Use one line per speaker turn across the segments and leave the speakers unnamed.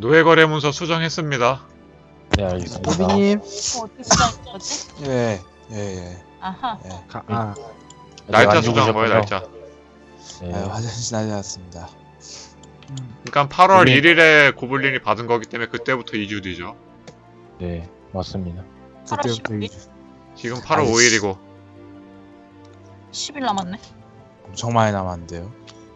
노예거래문서 수정했습니다.
네, 알겠습니다.
도비님.
어떻게 수정인 거지?
예.
아하.
날짜
안
수정 뭐예요,
죽으셨군요.
날짜?
네.
화장실 다녀왔습니다.
그러니까 8월
고블린.
1일에 고블린이 받은 거기 때문에 그때부터 2주 뒤죠.
네, 맞습니다.
그때부터
8월
2주.
지금 8월
아이씨.
5일이고
10일 남았네.
엄청 많이 남았는데요.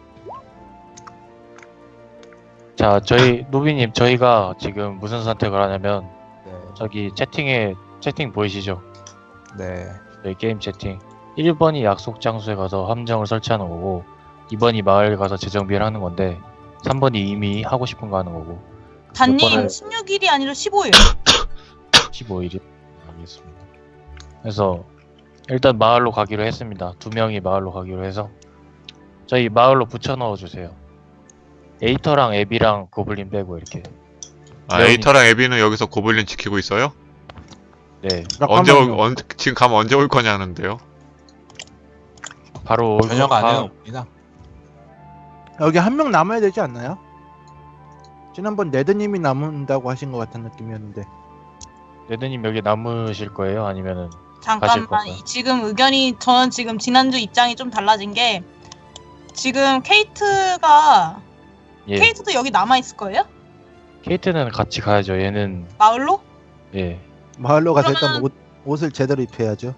자, 노비님, 저희가 지금 무슨 선택을 하냐면,
네.
저기 채팅 보이시죠?
네.
저희 게임 채팅. 1번이 약속 장소에 가서 함정을 설치하는 거고, 2번이 마을 가서 재정비를 하는 건데, 3번이 이미 하고 싶은 거 하는 거고,
단님
번을-
16일이 아니라 15일.
15일이 알겠습니다. 그래서 일단 마을로 가기로 했습니다. 2명이 마을로 가기로 해서 저희 마을로 붙여 넣어 주세요. 에이터랑 에비랑 고블린 빼고 이렇게.
아,
레온이-
에이터랑 에비는 여기서 고블린 지키고 있어요?
네,
지금 가면 언제 올 거냐는데요.
바로 올
저녁
거-
안에
아,
옵니다.
여기 한 명 남아야 되지 않나요? 지난번 네드님이 남는다고 하신 것 같은 느낌이었는데.
레드님 여기 남으실 거예요? 아니면은 가실
잠깐만.
건가요?
지금 의견이 저는 지금 지난주 입장이 좀 달라진 게 지금 케이트가
예,
케이트도 여기 남아 있을 거예요?
케이트는 같이 가야죠. 얘는
마을로?
예,
마을로 가서 일단
그러면-
옷을 제대로 입혀야죠.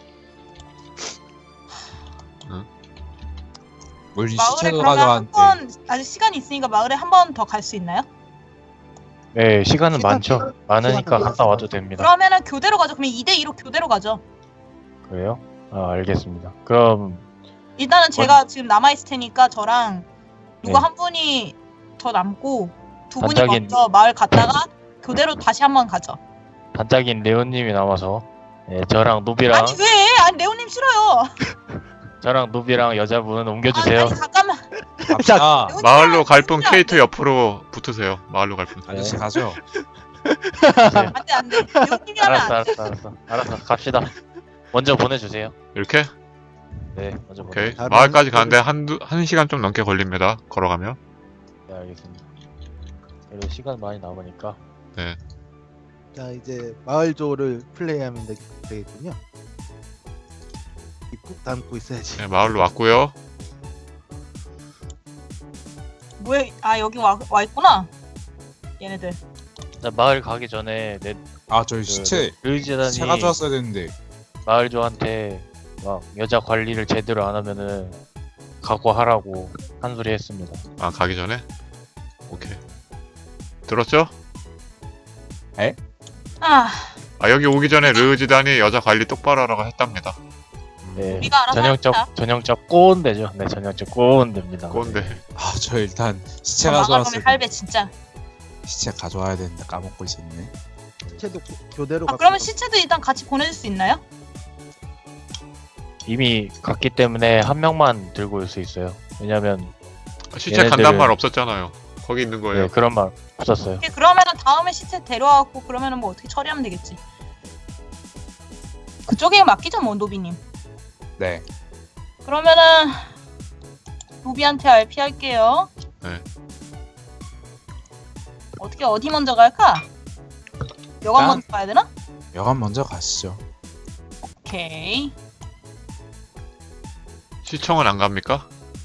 우리
마을에
시체도
그러면
가져왔는데.
한번 아직 시간이 있으니까 마을에 한 번 더 갈 수 있나요?
예, 시간은
시간-
많죠. 많으니까 갔다 와도 됩니다.
그러면은 교대로 가죠. 그러면 2대2로 교대로 가죠.
그래요? 아, 알겠습니다. 그럼
일단은 제가 지금 남아 있을 테니까 저랑 누가
네.
한 분이 더 남고 두 분이
반짝인-
먼저 마을 갔다가 교대로 다시 한 번 가죠.
반짝인 레온님이 남아서 예, 저랑 노비랑
아니 왜? 아니 레오님 싫어요.
여자분 옮겨주세요.
아니 잠깐만.
갑시다.
레오님
마을로 갈 분
진짜
케이트 옆으로 붙으세요. 마을로 갈 분.
아저씨 가죠.
안돼 안돼. 레오님이 하면 안 돼.
알았어, 갑시다. 먼저 보내주세요.
이렇게?
네, 먼저
오케이.
보내주세요.
마을까지 가는데 한 시간 좀 넘게 걸립니다. 걸어가면.
네, 알겠습니다. 그래도 시간 많이 남으니까
자, 이제 마을조를 플레이하면 되겠군요. 꾹 담고 있어야지.
네, 마을로 왔고요.
뭐야? 아 여기 와 있구나. 얘네들.
자, 마을 가기 전에
아, 저희 시체
르지단이
가져왔어야 되는데.
마을조한테 막 여자 관리를 제대로 안 하면은 각오하라고 한 소리 했습니다.
아, 가기 전에? 오케이. 들었죠?
아
아, 여기 오기 전에 르지단이 여자 관리 똑바로 하라고 했답니다.
네,
우리가 알아서 합시다.
전형적 꼰대죠. 네, 전형적 꼰대입니다.
꼰대.
아, 저 일단 시체
마가
가져왔어요.
그러면 할배 진짜.
시체 가져와야 되는데 까먹고 있었네.
시체도 교대로
아 그러면 시체도 일단 같이 보내줄 수 있나요?
이미 갔기 때문에 한 명만 들고 올 수 있어요. 왜냐면
시체
얘네들은-
간단 말 없었잖아요. 거기 있는 거예요.
네, 그런 말 없었어요.
오케이, 그러면은 다음에 시체 데려와갖고 그러면은 뭐 어떻게 처리하면 되겠지. 그쪽에 맡기죠 뭐 노비님.
네.
그러면은 노비한테 RP 할게요.
네.
어디 먼저 갈까? 여관
일단-
먼저 가야 되나?
여관 먼저 가시죠.
오케이.
시청은 안 갑니까?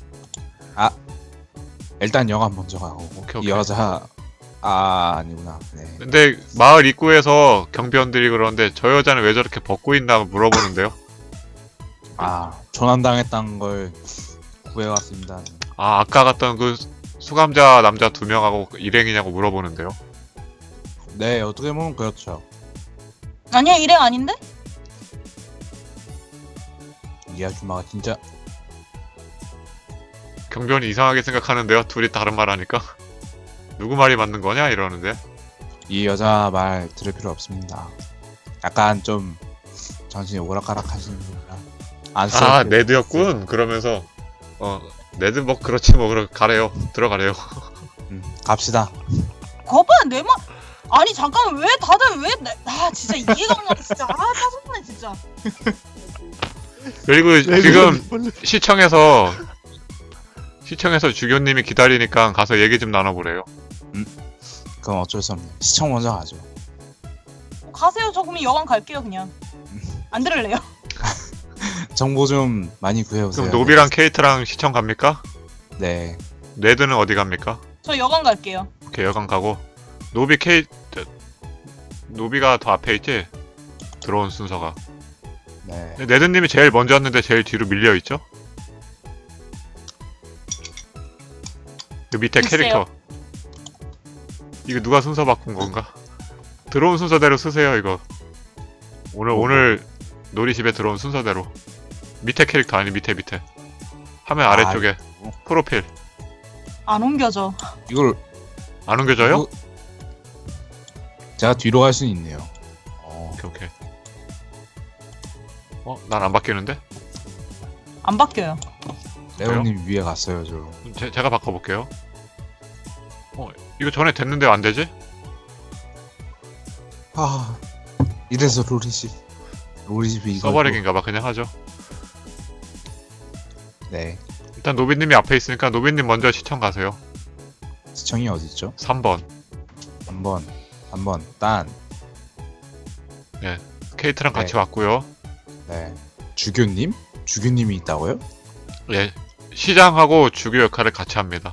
일단 여관 먼저 가고.
오케이.
이 여자 아니구나. 네.
근데 마을 입구에서 경비원들이 그러는데 저 여자는 왜 저렇게 벗고 있나 물어보는데요.
조난당했다는 걸 구해왔습니다.
아, 아까 갔던 그 수감자 남자 2명하고 일행이냐고 물어보는데요.
네, 어떻게 보면 그렇죠.
아니야 일행 아닌데?
이 아줌마가 진짜
경비원이 이상하게 생각하는데요. 둘이 다른 말 하니까. 누구 말이 맞는 거냐 이러는데.
이 여자 말 들을 필요 없습니다. 약간 좀 정신이 오락가락 하시는 분이라 안 써도
아,
돼요.
네드였군. 그러면서 네드 뭐 그렇지 뭐 가래요. 들어가래요.
갑시다.
거봐 내 말. 아니 잠깐만 왜 다들 아 진짜 이해가 안 가. 진짜 짜증나 진짜.
그리고 지금 시청에서 주교님이 기다리니까 가서 얘기 좀 나눠보래요.
그건 어쩔 수 없네. 시청 먼저 가죠.
가세요. 저 그럼 여관 갈게요 그냥. 안 들을래요?
정보 좀 많이 구해오세요.
그럼 노비랑 케이트랑 시청 갑니까?
네.
네드는 어디 갑니까?
저 여관 갈게요.
오케이, 여관 가고. 노비 케이트, 노비가 더 앞에 있지? 들어온 순서가.
네.
네드님이 제일 먼저 왔는데 제일 뒤로 밀려있죠? 그 밑에
글쎄요.
캐릭터. 이거 누가 순서 바꾼 건가? 들어온 순서대로 쓰세요, 이거. 오늘 놀이집에 들어온 순서대로. 밑에 캐릭터, 아니, 밑에. 화면 아래쪽에. 프로필.
안 옮겨져.
이걸
안 옮겨져요?
이거- 제가 뒤로 갈 수는 있네요.
오케이. 난 안 바뀌는데?
안 바뀌어요.
레오님 위에 갔어요, 저.
제가 바꿔볼게요. 이거 전에 됐는데 안 되지?
아, 이래서 로리집이 이거.
써버리기인가봐, 그냥 하죠.
네.
일단 노비님이 앞에 있으니까 노비님 먼저 시청 가세요.
시청이 어디 있죠?
3번.
3번 딴.
케이트랑 같이
네.
왔고요.
네. 주교님이 있다고요?
예. 시장하고 주교 역할을 같이 합니다.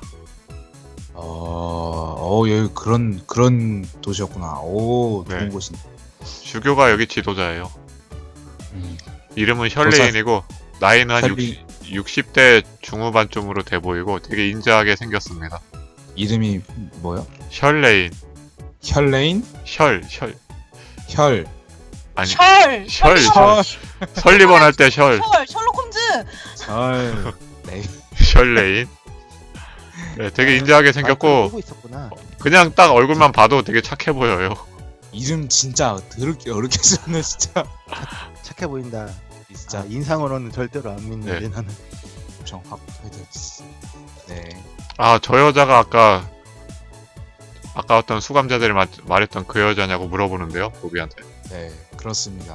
여기 그런 도시였구나. 오, 좋은
네.
곳이네.
주교가 여기 지도자예요.
음.
이름은 셜레인이고 나이는 한
셜리.
60대 중후반쯤으로 돼 보이고 되게 인자하게 생겼습니다.
이름이 뭐요?
셜레인.
혈레인?
셜.
혈.
아니.
셜!
셜.
셜!
설리번 할 때 셜.
셜록 홈즈!
헐. 네.
셜레인. 네, 되게 인자하게 생겼고
고 있었구나.
그냥 딱 얼굴만 봐도 되게 착해 보여요.
이름 진짜 더럽게 어렵게 썼네 진짜.
착해 보인다.
진짜
인상으로는 절대로 안 믿는데
네.
나는.
엄청 확해야 되지. 네.
아, 저 여자가 아까 어떤 수감자들이 말했던 그 여자냐고 물어보는데요, 노비한테.
네, 그렇습니다.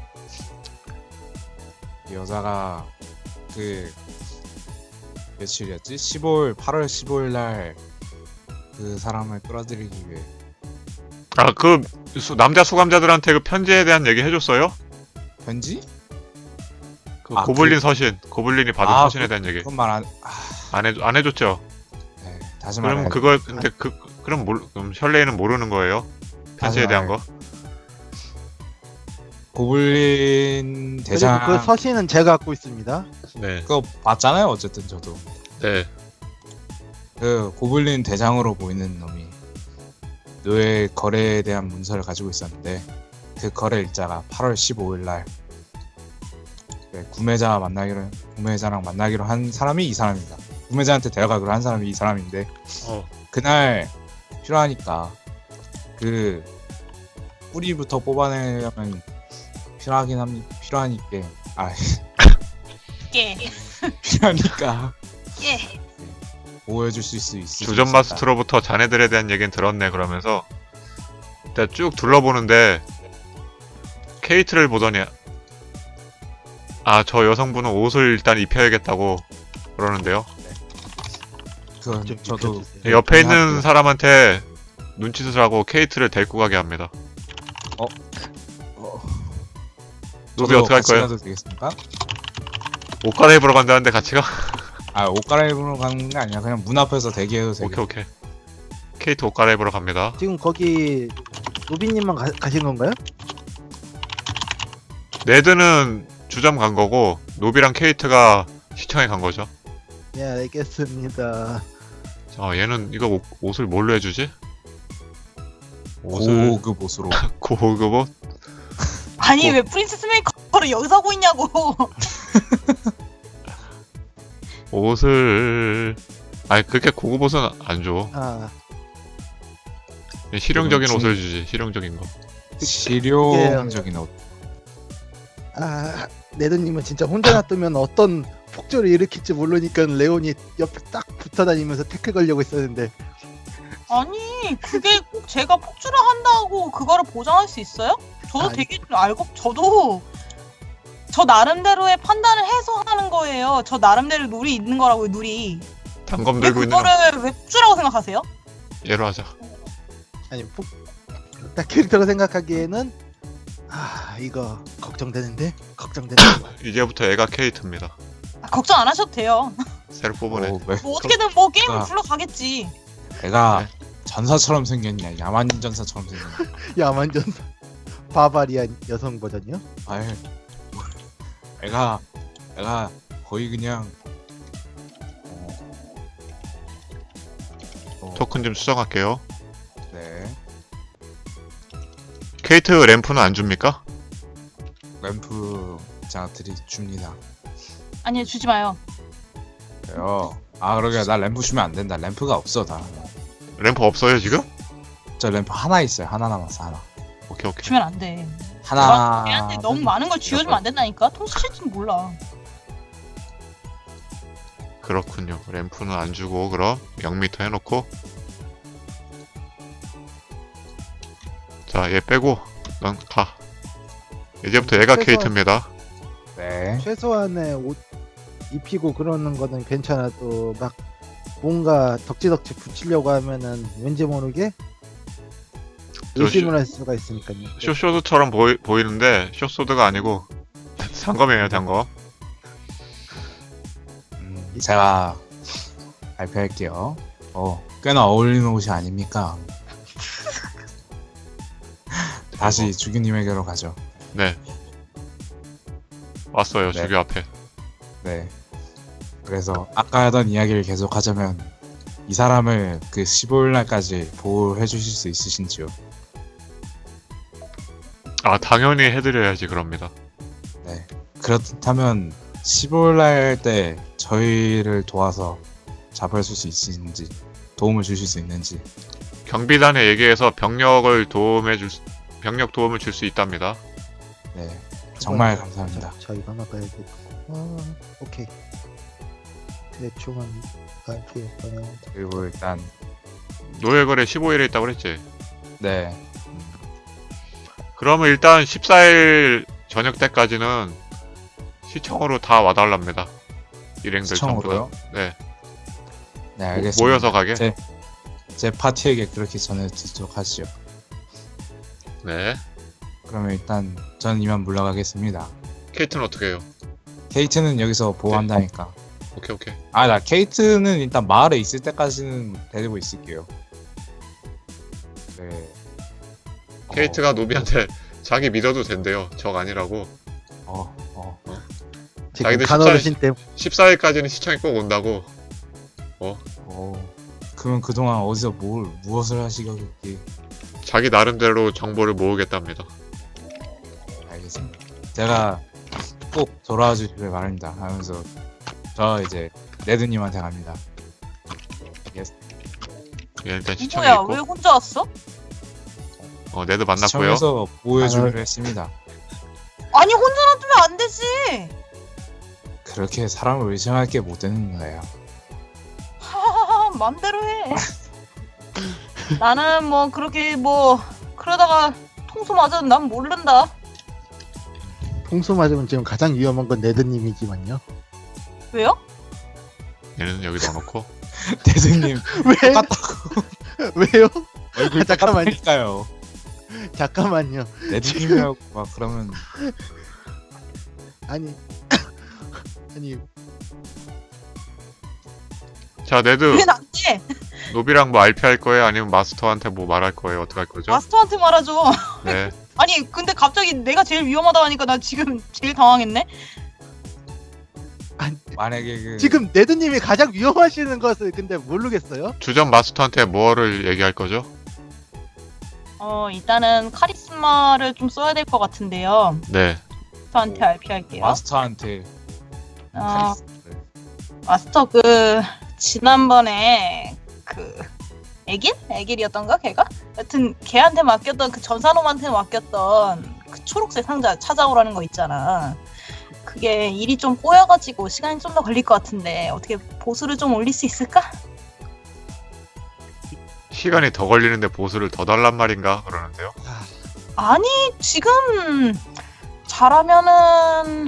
이 여자가 그 며칠이었지? 8월 15일 날 그 사람을 끌어들이기 위해.
아, 그 남자 수감자들한테 그 편지에 대한 얘기 해줬어요?
편지?
그
아,
고블린 서신, 고블린이 받은
아,
서신에 대한 얘기
그건 말 안.
안 해줬죠.
네, 다시
그럼
말해.
그걸 근데 그럼 셜레이는 모르는 거예요? 편지에 대한 거?
고블린 대장.
그리고 그 서신은 제가 갖고 있습니다.
네.
그거 봤잖아요. 어쨌든 저도.
네.
그 고블린 대장으로 보이는 놈이 노예 거래에 대한 문서를 가지고 있었는데 그 거래 일자가 8월 15일 날 구매자랑 만나기로 한 사람이 이 사람입니다. 구매자한테 데려가기로 한 사람이 이 사람인데 그날 필요하니까 그 뿌리부터 뽑아내려면 필요하니까
예.
필요하니까
예.
보호해줄 수 있을
주전 마스터로부터 자네들에 대한 얘기는 들었네. 그러면서 일단 쭉 둘러보는데 케이트를 보더니 저 여성분은 옷을 일단 입혀야겠다고 그러는데요.
그건
좀
저도
입혀주세요.
옆에 있는
하고요.
사람한테 눈짓을 하고 케이트를 데리고 가게 합니다. 노비
저도
어떻게 할
같이
거예요?
가도 되겠습니까?
옷 갈아입으러 간다는데 같이 가?
옷 갈아입으러 가는 게 아니라 그냥 문 앞에서 대기해도 되겠.
오케이. 케이트 옷 갈아입으러 갑니다.
지금 거기 노비님만 가신 건가요?
네드는 주점 간 거고 노비랑 케이트가 시청에 간 거죠.
네, 알겠습니다.
얘는 이거 옷을 뭘로 해주지? 옷을
고급 옷으로.
고급 옷?
아니 왜 프린세스 메이커를 여기서 하고 있냐고.
옷을 그렇게 고급 옷은 안 줘. 실용적인
중-
옷을 주지. 실용적인 거.
실용적인 옷.
네드님은 진짜 혼자 놔두면 어떤 폭주를 일으킬지 모르니까 레온이 옆에 딱 붙어다니면서 태클 걸려고 했었는데
아니 그게 꼭 제가 폭주를 한다고 그거를 보장할 수 있어요? 저도
아니.
되게 저도 저 나름대로의 판단을 해서 하는 거예요. 저 나름대로 룰이 있는 거라고요. 룰이.
단검
왜
들고 있는 거
그거를 왜 폭주라고 생각하세요?
얘로 하자.
아니 딱 캐릭터로 생각하기에는 이거 걱정되는데
이제부터 애가 케이트입니다.
걱정 안 하셔도 돼요.
새로 뽑으네.
뭐 어떻게든 뭐 게임을
아.
불러가겠지.
애가
네.
전사처럼 생겼냐? 야만 전사처럼 생겼냐?
야만전사 바바리안 여성 버전이요?
아유, 애가 거의 그냥
토큰 좀 수정할게요.
네,
케이트 램프는 안 줍니까?
램프 제가 줍니다.
아니요, 주지 마요.
그래요. 그러게 나 램프 주면 안 된다. 램프가 없어 다.
램프 없어요 지금?
저 램프 하나 있어요. 하나 남았어 하나.
오케이.
주면 안 돼.
하나.
걔한테 너무 많은 걸 쥐어주면 안 된다니까. 통수칠지는 몰라.
그렇군요. 램프는 안 주고 그럼 0m 해놓고 자 얘 빼고 넌 가. 이제부터 얘가
최소한-
케이트입니다.
네.
최소한의 옷 입히고 그러는 거는 괜찮아도 막 뭔가 덕지덕지 붙이려고 하면은 왠지 모르게
저
의심을 할 수가 있으니까요.
쇼소드처럼 보이는데 쇼소드가 아니고 단검이에요 단검.
제가 발표할게요. 꽤나 어울리는 옷이 아닙니까? 다시 주규님에게로 가죠.
네. 왔어요
네.
주교 앞에.
네. 그래서 아까 하던 이야기를 계속하자면 이 사람을 그 15일 날까지 보호해 주실 수 있으신지요?
아 당연히 해드려야지 그럽니다.
네. 그렇다면 15일 날 때 저희를 도와서 잡을 수 있으신지, 도움을 주실 수 있는지.
경비단에 얘기해서 병력 도움을 줄 수 있답니다.
네. 정말 감사합니다.
자 이거 하나 봐야겠고. 오케이. 대충 한 RPM
그리고 일단
노예거래 15일에 있다고 그랬지.
네.
그러면 일단 14일 저녁 때까지는 시청으로 다 와달랍니다. 일행들 전부
시청으로요?
다. 네.
네, 알겠습니다.
모여서 가게.
제 파티에게 그렇게 전해드리도록 하시죠.
네.
그러면 일단 전 이만 물러가겠습니다.
케이트는 어떻게 해요?
케이트는 여기서 보호한다니까.
오케이.
나 케이트는 일단 마을에 있을 때까지는 데리고 있을게요. 네.
케이트가 노비한테 자기 믿어도 된대요. 적 아니라고.
지금
자기들
간어르신 때
14일까지는 시청에 꼭 온다고.
그럼 그동안 어디서 무엇을 하시겠기?
자기 나름대로 정보를 모으겠답니다.
알겠습니다. 제가 꼭 돌아와 주시길 바랍니다. 하면서 저 이제 네드님한테 갑니다.
얘 일단 시청에
뭐야,
있고.
왜 혼자 왔어?
네드 만났고요.
시청에서 보호해 주기로 했습니다.
아니, 혼자 놔두면 안 되지.
그렇게 사람을 의심할 게 못 되는 거예요.
하하하, 맘대로 해. 나는 뭐 그렇게 뭐 그러다가 통수 맞아도 난 모른다.
통수 맞으면 지금 가장 위험한 건 네드님이지만요.
왜요?
얘는 여기 넣어놓고.
네드님
왜?
똑같다고
왜요?
얼굴
잠깐만요.
똑같으니까요.
잠깐만요.
네드님이라고 막 그러면
아니
자 네드
왜 나한테?
노비랑 뭐 RP 할 거예요? 아니면 마스터한테 뭐 말할 거예요? 어떻게 할 거죠?
마스터한테 말하죠.
네.
아니 근데 갑자기 내가 제일 위험하다 하니까 나 지금 제일 당황했네.
만약에 그
지금 네드님이 가장 위험하시는 것을 근데 모르겠어요.
주전 마스터한테 뭐를 얘기할 거죠?
일단은 카리스마를 좀 써야 될 것 같은데요.
네.
마스터한테 RP 할게요.
마스터한테 카리스마를.
마스터 지난번에 애길이었던가 걔가? 여튼 걔한테 맡겼던 그 전사놈한테 맡겼던 그 초록색 상자 찾아오라는 거 있잖아. 그게 일이 좀 꼬여가지고 시간이 좀 더 걸릴 것 같은데 어떻게 보수를 좀 올릴 수 있을까?
시간이 더 걸리는데 보수를 더 달란 말인가? 그러는데요.
아니 지금 잘하면은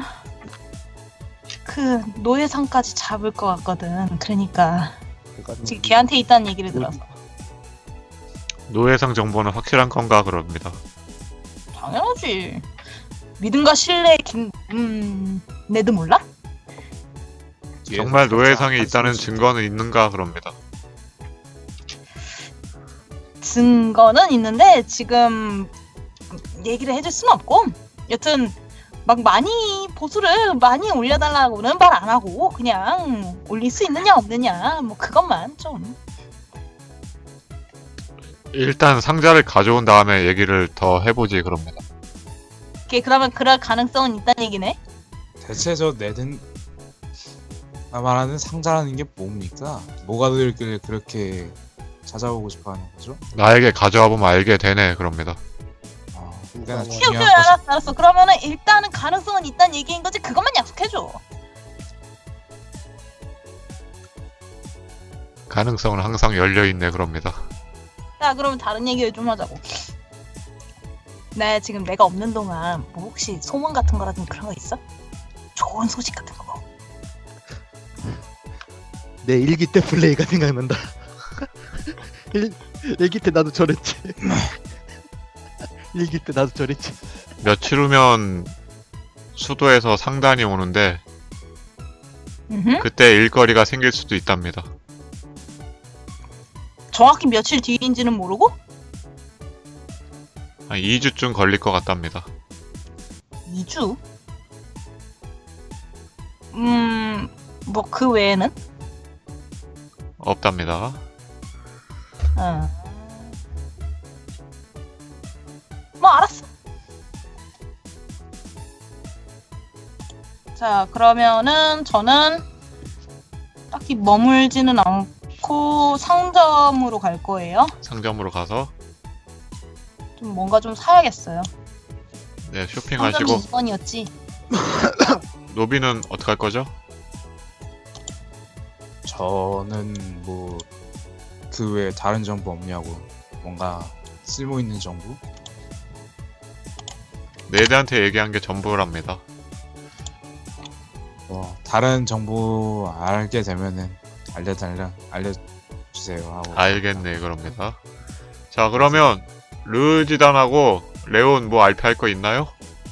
그 노예상까지 잡을 것 같거든. 그러니까 지금 걔한테 있다는 얘기를 들어서
노예상 정보는 확실한 건가 그럽니다.
당연하지. 믿음과 신뢰의 네드 몰라?
뒤에서
정말 노예상이
살짝
있다는
한숨을
증거는 있는가 그럽니다.
증거는 있는데 지금 얘기를 해줄 순 없고, 여튼 막 많이 보수를 많이 올려달라고는 말 안 하고 그냥 올릴 수 있느냐 없느냐 뭐 그것만 좀.
일단 상자를 가져온 다음에 얘기를 더 해보지 그럽니다.
그러면 그럴 가능성은 있다는 얘기네.
대체 저 네든 말하는 상자라는 게 뭡니까? 뭐가 들길래 그렇게 찾아오고 싶어하는 거죠?
나에게 가져와 보면 알게 되네 그럽니다.
꽤나
그래,
중요한
그래, 알았어. 그러면은 일단은 가능성은 있다는 얘기인 거지. 그것만 약속해줘.
가능성은 항상 열려있네 그럽니다.
자, 그러면 다른 얘기를 좀 하자고. 네, 지금 내가 없는 동안 뭐 혹시 소문 같은 거라든지 그런 거 있어? 좋은 소식 같은 거.
내 일기 때 플레이가 생각난다. 일기 때 나도 저랬지. 일기 때 나도 저랬지.
며칠 후면 수도에서 상단이 오는데
음흠.
그때 일거리가 생길 수도 있답니다.
정확히 며칠 뒤인지는 모르고?
한 2주쯤 걸릴 것 같답니다.
2주? 뭐 그 외에는?
없답니다.
뭐 알았어. 자, 그러면은 저는 딱히 머물지는 않고 상점으로 갈 거예요.
상점으로 가서
좀 뭔가 좀 사야겠어요.
네,
상점이
쇼핑하시고
2번이었지.
노비는 어떻게 할 거죠?
저는 뭐 그 외에 다른 정보 없냐고, 뭔가 쓸모 있는 정보?
네드한테 얘기한 게 전부랍니다.
뭐 다른 정보 알게 되면은 알려주세요 하고.
알겠네 그럽니다. 자 그러면 르지단하고 레온 뭐 RP 할 거 있나요?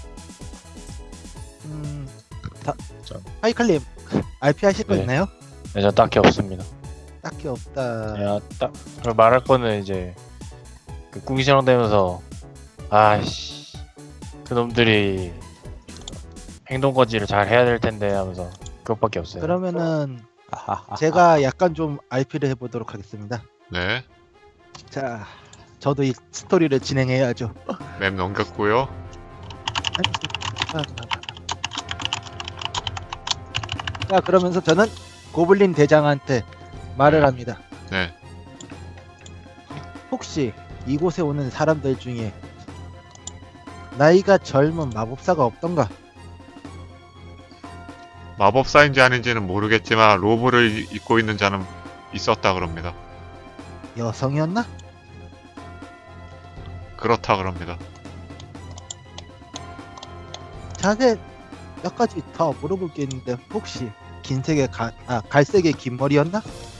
하이칼님 RP 하실 거
네.
있나요?
네, 저 딱히 없습니다.
딱히 없다.
야, 그리고 말할 거는 이제 그 궁시렁대면서 아씨 그놈들이 행동 거지를 잘 해야 될 텐데 하면서 그것밖에 없어요.
그러면은
아하하.
제가 약간 좀 RP를 해보도록 하겠습니다.
네,
자, 저도 이 스토리를 진행해야죠.
맵 넘겼고요.
자, 그러면서 저는 고블린 대장한테 말을 합니다.
네,
혹시 이곳에 오는 사람들 중에 나이가 젊은 마법사가 없던가?
마법사인지 아닌지는 모르겠지만 로브를 입고 있는 자는 있었다 그럽니다.
여성이었나?
그렇다 그럽니다.
자세 몇 가지 더 물어볼 게 있는데 혹시 긴색의 갈색의 긴 머리였나?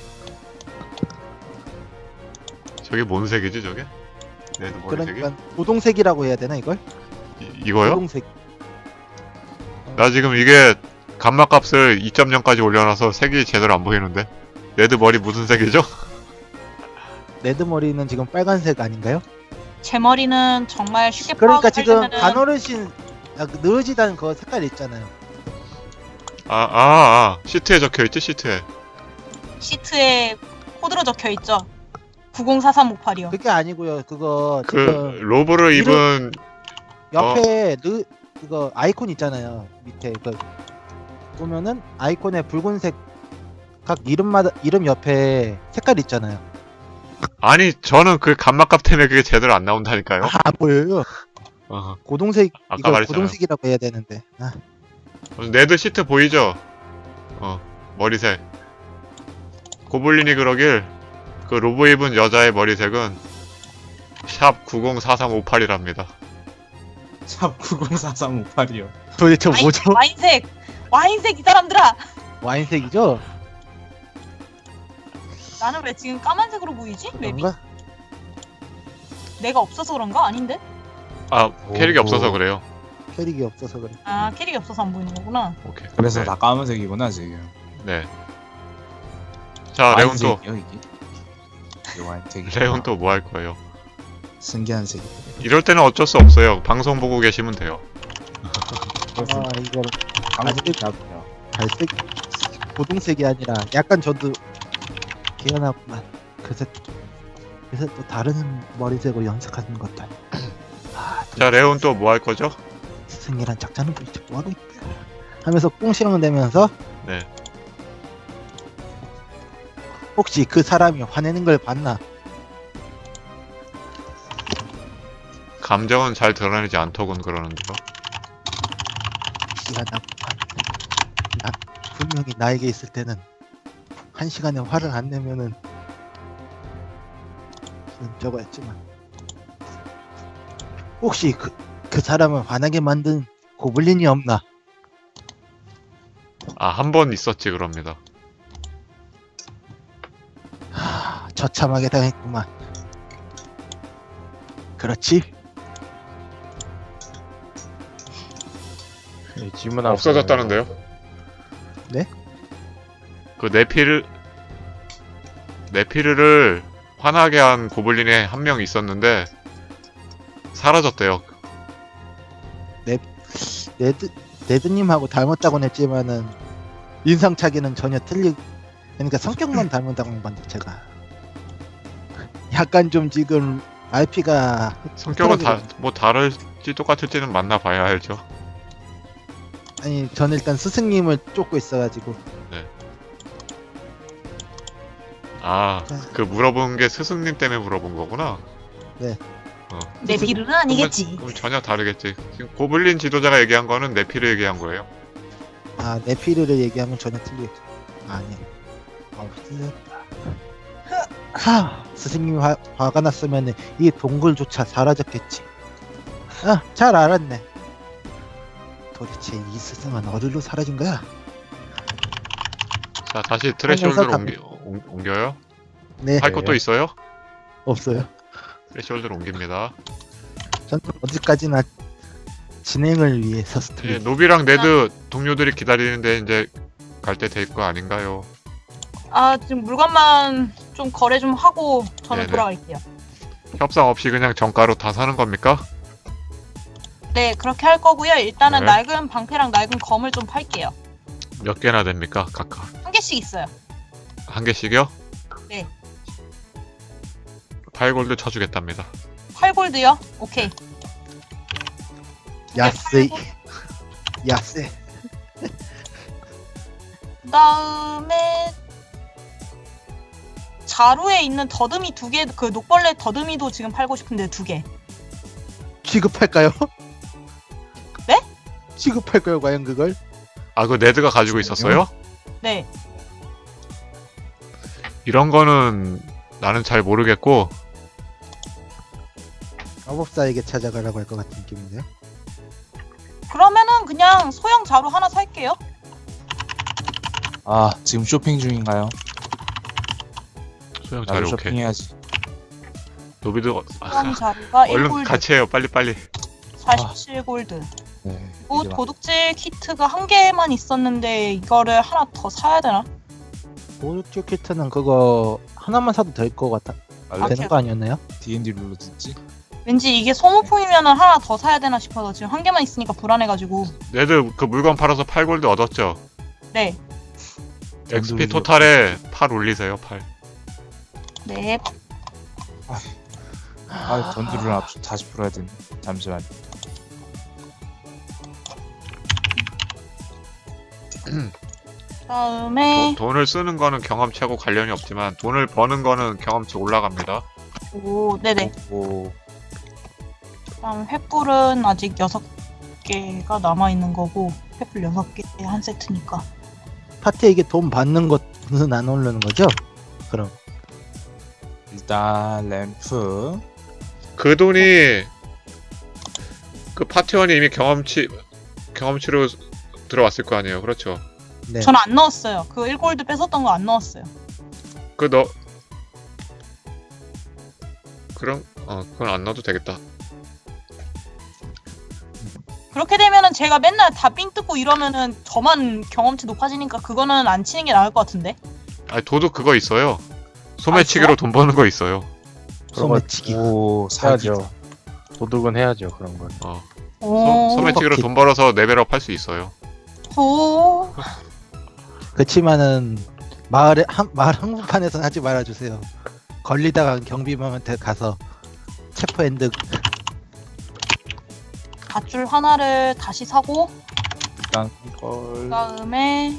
저게 뭔 색이지 저게? 네드 머리색이?
그러니까 고동색이라고 해야 되나 이걸?
이거요?
고동색.
나 지금 이게 감마 값을 2.0까지 올려놔서 색이 제대로 안 보이는데 네드 머리 무슨 색이죠?
레드 머리는 지금 빨간색 아닌가요?
제 머리는 정말 쉽게
그러니까 지금
파악하려면은
간어르신 느어지다는 그 색깔 있잖아요.
시트에 적혀있지 시트에.
시트에 코드로 적혀 있죠. 904358이요.
그게 아니고요. 그거
그
지금
로브를 입은
옆에 그거 아이콘 있잖아요. 밑에 그 보면은 아이콘에 붉은색 각 이름 옆에 색깔 있잖아요.
아니 저는 그 감마 값 때문에 그게 제대로 안 나온다니까요.
안 보여요.
어.
고동색
아까
이거
말했잖아요.
고동색이라고 해야 되는데.
네드 시트 보이죠? 머리색. 고블린이 그러길 그 로브 입은 여자의 머리색은 샵 904358이랍니다.
샵 904358이요.
도대체 뭐죠?
와인색 이 사람들아.
와인색이죠?
나는 왜 지금 까만색으로 보이지? 맵이.
뭔가?
내가 없어서 그런가? 아닌데?
아 캐릭이
오.
없어서 그래요.
캐릭이 없어서 그래.
아 캐릭이 없어서 안 보이는 거구나.
오케이.
그래서
네.
다 까만색이구나 지금.
네. 자 레온 또
와인색이요, 이게? 이 와인색이.
레온 또 뭐 할 거예요?
신기한 색이.
이럴 때는 어쩔 수 없어요. 방송 보고 계시면 돼요.
아 이거 갈색 갈색 고동색이 아니라 약간 저도 개연하구만. 그래서 또 다른 머리색으로 연색하는 것들.
자 레온 또 뭐 할 거죠?
스승이란 작자는 도대체 뭐하고 있다 하면서 꽁시렁 대면서
네.
혹시 그 사람이 화내는 걸 봤나?
감정은 잘 드러내지 않더군 그러는데요.
미안하구만. 나 분명히 나에게 있을 때는 한 시간에 화를 안 내면은 저거였지만 혹시 그 사람을 화나게 만든 고블린이 없나?
아 한 번 있었지 그럽니다.
처참하게 당했구만. 그렇지?
예, 질문 하나
없어졌다는데요?
네?
그 네피르를 화나게 한 고블린에 한 명 있었는데 사라졌대요.
네드님하고 닮았다고는 했지만은 인상차기는 전혀 그러니까 성격만 닮았다고 봤는데 제가 약간 좀 지금 RP가
성격은 뭐 다를지 똑같을지는 만나봐야 알죠.
아니 저는 일단 스승님을 쫓고 있어가지고
아 그 물어본 게 스승님 때문에 물어본 거구나.
내 비르는 아니겠지.
그럼 전혀 다르겠지. 지금 고블린 지도자가 얘기한 거는 네피르 얘기한 거예요.
아 네피르를 얘기하면 전혀 틀리겠죠. 아니 틀렸다. 스승님이 화가 났으면 이 동굴조차 사라졌겠지. 잘 알았네. 도대체 이 스승은 어디로 사라진 거야?
자 다시 트레시홀드로
다-
옮겨요.
네
할 것도 있어요?
없어요.
트레시홀드로 옮깁니다.
저는 어디까지나 진행을 위해서 스토리.
예, 노비랑 네드 동료들이 기다리는데 이제 갈 때 될 거 아닌가요?
아 지금 물건만 좀 거래 좀 하고 저는
네네.
돌아갈게요.
협상 없이 그냥 정가로 다 사는 겁니까?
네 그렇게 할 거고요. 일단은
네.
낡은 방패랑 낡은 검을 좀 팔게요.
몇 개나 됩니까? 각각
한 개씩 있어요.
한 개씩이요?
네.
8골드 쳐주겠답니다.
8골드요? 오케이.
야세. 야세.
그 다음에 자루에 있는 더듬이 2개, 그 녹벌레 더듬이도 지금 팔고 싶은데 2개.
취급할까요?
네?
취급할까요 과연 그걸?
아, 그 네드가 가지고 있었어요?
네.
이런 거는 나는 잘 모르겠고
마법사에게 찾아가라고 할 것 같은 느낌인데요.
그러면은 그냥 소형 자루 하나 살게요.
아 지금 쇼핑 중인가요?
소형
나도
자료 오케이.
쇼핑해야지.
노비도
소형 자루가
얼른
1골드,
같이 해요. 빨리.
47골드.
네.
또
이제 막-
도둑질 키트가 한 개만 있었는데 이거를 하나 더 사야 되나?
보르티오 키트는 그거 하나만 사도 될 것 같아.
원래
되는 거 아니었나요?
D&D 룰로 듣지?
왠지 이게 소모품이면은 하나 더 사야 되나 싶어서 지금 한 개만 있으니까 불안해가지고.
네드 그 물건 팔아서 8골드 얻었죠?
네.
XP 토탈에 8 올리세요. 8.
네.
아 전투를 다시 풀어야 되네. 잠시만.
그다음에
돈을 쓰는 거는 경험치하고 관련이 없지만 돈을 버는 거는 경험치 올라갑니다.
오, 네네.
오,
그다음 횃불은 아직 6개가 남아 있는 거고 횃불 6개 한 세트니까.
파티에 이게 돈 받는 것은 안 오르는 거죠? 그럼
일단 램프.
그 돈이 그 파티원이 이미 경험치로 들어왔을 거 아니에요. 그렇죠?
네.
저는 안 넣었어요. 그 1골드 뺏었던 거 안 넣었어요.
그럼 그건 안 넣어도 되겠다.
그렇게 되면은 제가 맨날 다 삥 뜯고 이러면은 저만 경험치 높아지니까 그거는 안 치는 게 나을 것 같은데.
아니 도둑 그거 있어요. 소매치기로
있어요?
돈 버는 거 있어요.
소매치기.
오 사기.
해야죠. 도둑은 해야죠 그런 걸.
오.
소매치기로 돈 벌어서 레벨업 할 수 있어요.
오.
그치만은 마을 한복판에서는 하지 말아주세요. 걸리다가 경비병한테 가서 체포핸드.
밧줄 하나를 다시 사고
일단 걸.
그다음에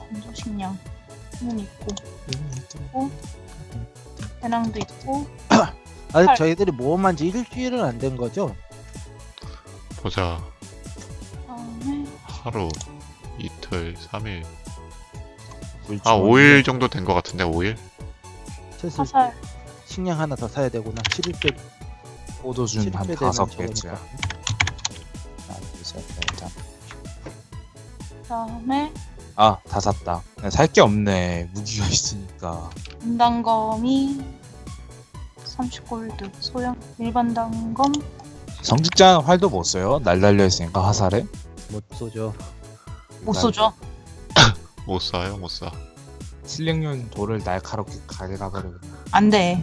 건조식량은 있고 배낭도 있고
아직
팔.
저희들이 모험한 지 일주일은 안 된 거죠?
보자.
그다음에
하루, 이틀, 3일.
물
아,
주머니.
5일 정도 된 것 같은데, 5일?
슬슬
화살
식량 하나 더 사야 되구나. 7일째
포도준 한 5개째.
그다음에
아다 샀다. 살 게 없네. 무기가 있으니까.
분단검이 30골드 소형 일반 단검
성직자 활도 못 써요. 날 달려 있으니까 화살에.
못 쏘죠.
못 쏘죠.
못 사요, 못 사.
실링용 돌을 날카롭게 가져가버리거든요.
안돼.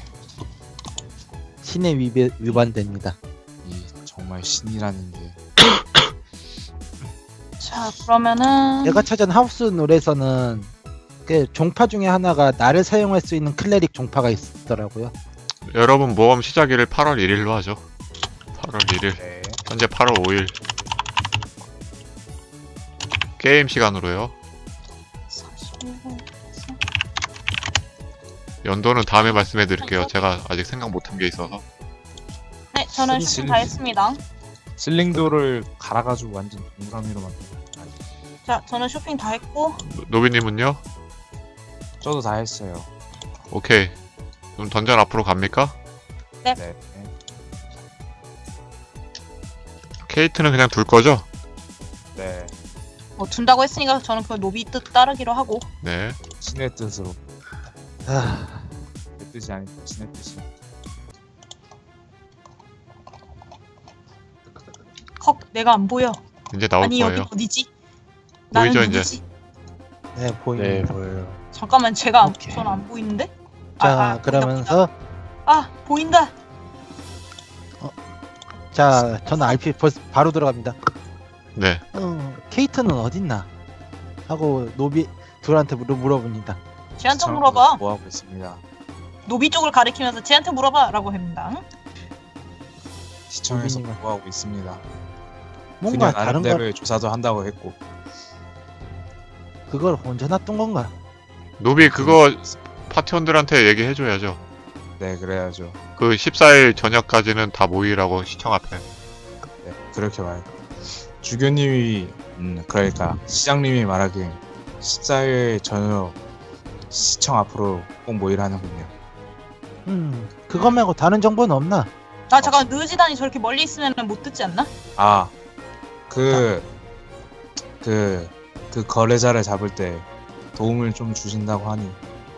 신의 위반됩니다.
이 정말 신이라는 게.
자 그러면은
내가 찾은 하우스 룰에서는 그 종파 중에 하나가 나를 사용할 수 있는 클레릭 종파가 있더라고요.
여러분 모험 시작일을 8월 1일로 하죠. 8월 1일.
네.
현재 8월 5일. 게임 시간으로요.
41호
연도는 다음에 말씀해 드릴게요. 제가 아직 생각 못한 게 있어서.
네 저는 쇼핑 다 했습니다.
실링돌을 갈아가지고 완전 동그라미로 만든.
자 저는 쇼핑 다 했고
노비님은요?
저도 다 했어요.
오케이. 그럼 던전 앞으로 갑니까?
네.
케이트는 그냥 둘 거죠?
네.
뭐 둔다고 했으니까 저는 그 노비 뜻 따르기로 하고
네.
신의 뜻으로.
아,
내 뜻이 아니고 신의 뜻이.
헉 내가 안 보여.
이제 나올
아니
거예요.
여기 어디지? 나는
보이죠, 이제?
누구지?
네 보입니다.
네 보여요.
잠깐만 제가
오케이.
전 안 보이는데?
자 그러면서
보인다.
자 저는 RP 벌써 바로 들어갑니다.
네.
케이트는 어딨나? 하고 노비 둘한테 물어봅니다.
쟤한테
시청을
물어봐.
뭐 하고 있습니다.
노비 쪽을 가리키면서 쟤한테 물어봐라고 합니다.
시청에서
노비님은-
뭐 하고 있습니다.
뭔가
그냥
다른 걸
나름대로의 조사도 한다고 했고.
그걸 혼자 놔둔 건가?
노비 그거 파티원들한테 얘기해줘야죠.
네 그래야죠.
그 14일 저녁까지는 다 모이라고 시청 앞에.
네 그렇게 말. 주교님이 그러니까 시장님이 말하길 14일 저녁 시청 앞으로 꼭 모이라는군요.
그거 말고 다른 정보는 없나?
아 잠깐 느지단이 저렇게 멀리 있으면 못 듣지 않나?
아, 그 거래자를 잡을 때 도움을 좀 주신다고 하니.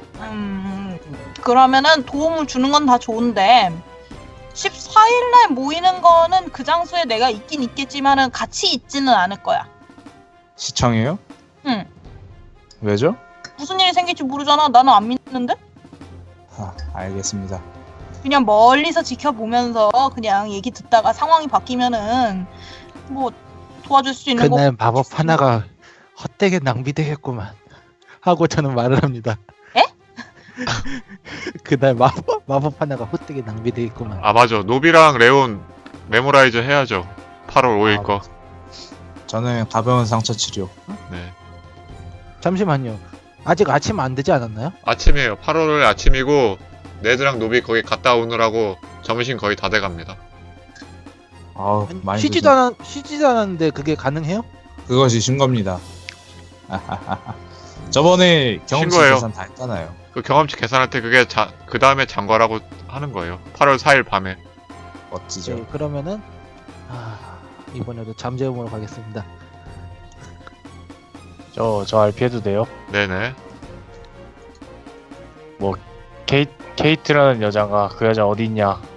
그러면은 도움을 주는 건 다 좋은데 14일날 모이는 거는 그 장소에 내가 있긴 있겠지만은 같이 있지는 않을 거야.
시청이에요?
응.
왜죠?
무슨 일이 생길지 모르잖아. 나는 안 믿는데?
알겠습니다.
그냥 멀리서 지켜보면서 그냥 얘기 듣다가 상황이 바뀌면은 뭐 도와줄 수 있는
그날
거.
마법 하나가 헛되게 낭비되겠구만 하고 저는 말을 합니다.
에?
그날 마법 하나가 헛되게 낭비되겠구만.
아 맞아. 노비랑 레온 메모라이즈 해야죠. 8월 5일
아,
거.
저는 가벼운 상처 치료.
네.
잠시만요. 아직 아침 안 되지 않았나요?
아침이에요. 8월 아침이고 네드랑 노비 거기 갔다 오느라고 점심 거의 다 돼갑니다.
아우 많이
쉬지도 않았는데 그게 가능해요?
그것이 신 겁니다. 저번에 경험치
거예요.
계산 다 했잖아요.
그 경험치 계산할 때 그게 그 다음에 장과라고 하는 거예요. 8월 4일 밤에.
멋지죠.
네, 그러면은 이번에도 잠재움으로 가겠습니다.
저 RP 해도 돼요?
네네.
케이트라는 여자가 그 여자 어디 있냐